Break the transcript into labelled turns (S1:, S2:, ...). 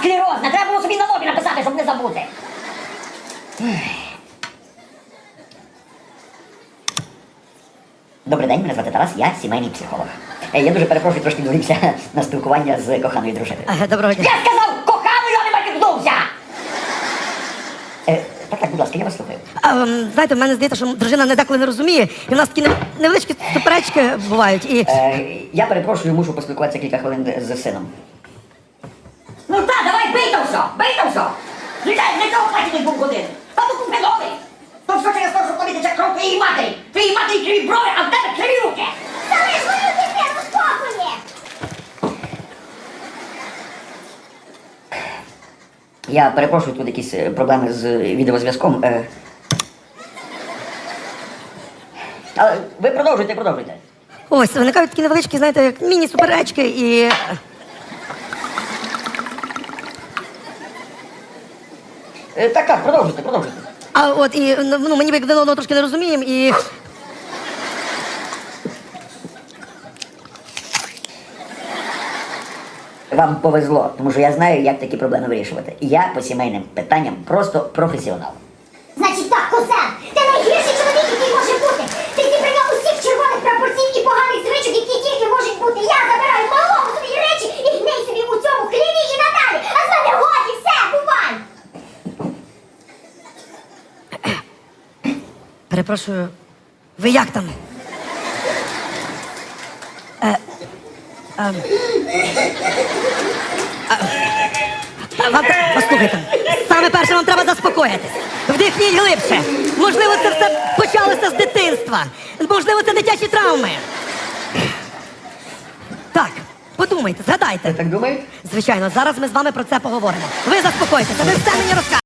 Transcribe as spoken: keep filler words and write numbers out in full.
S1: склерозне. Треба було собі на лобі написати, щоб не забути. Добрий день, мене звати Тарас, я сімейний психолог. Е, Я дуже перепрошую, трошки відволікся на спілкування з коханою дружиною.
S2: Ага, доброго дня.
S1: Я сказав коханою, а не маркетнувся! Е, так, так, будь ласка, я вас слухаю.
S2: А, ем, знаєте, в мене здається, що дружина не деколи не розуміє, і в нас такі нев- невеличкі суперечки бувають. І
S1: Е, я перепрошую, мушу поспілкуватися кілька хвилин з сином. Ну так, давай бий там все, бий там все! Звичайно, для цього платять був годин. Та то купи новий! То все через те, що тобі тече кров твоєї матері! Твоїй матері криві брови, а в тебе криві руки!
S3: Залиш мою дитину в спокої!
S1: Я перепрошую, тут якісь е, проблеми з відеозв'язком. Е. Але ви продовжуйте, продовжуйте.
S2: ось виникають такі невеличкі, знаєте, як міні-суперечки, і
S1: Е, так, так, продовжуйте, продовжуйте.
S2: а от і ну мені один одного трошки не розуміємо, і
S1: Вам повезло, тому що я знаю, як такі проблеми вирішувати. Я по сімейним питанням просто професіонал.
S3: Значить так, кузен, ти найгірший чоловік, який може бути. Ти зібрав усіх червоних прапорців і поганих звичок, які тільки можуть бути. Я забираю малому свої речі і гней собі у цьому хліві і надалі. А з мене годі, все, бувай!
S2: перепрошую, ви як там? Е, ем, а, вам тре- послухайте, саме перше вам треба заспокоїтись. Вдихніть глибше. Можливо, це все почалося з дитинства. Можливо, це дитячі травми. Так, подумайте, згадайте.
S1: Ви так думаєте?
S2: Звичайно, зараз ми з вами про це поговоримо. Ви заспокойтеся, ви все мені розкажете.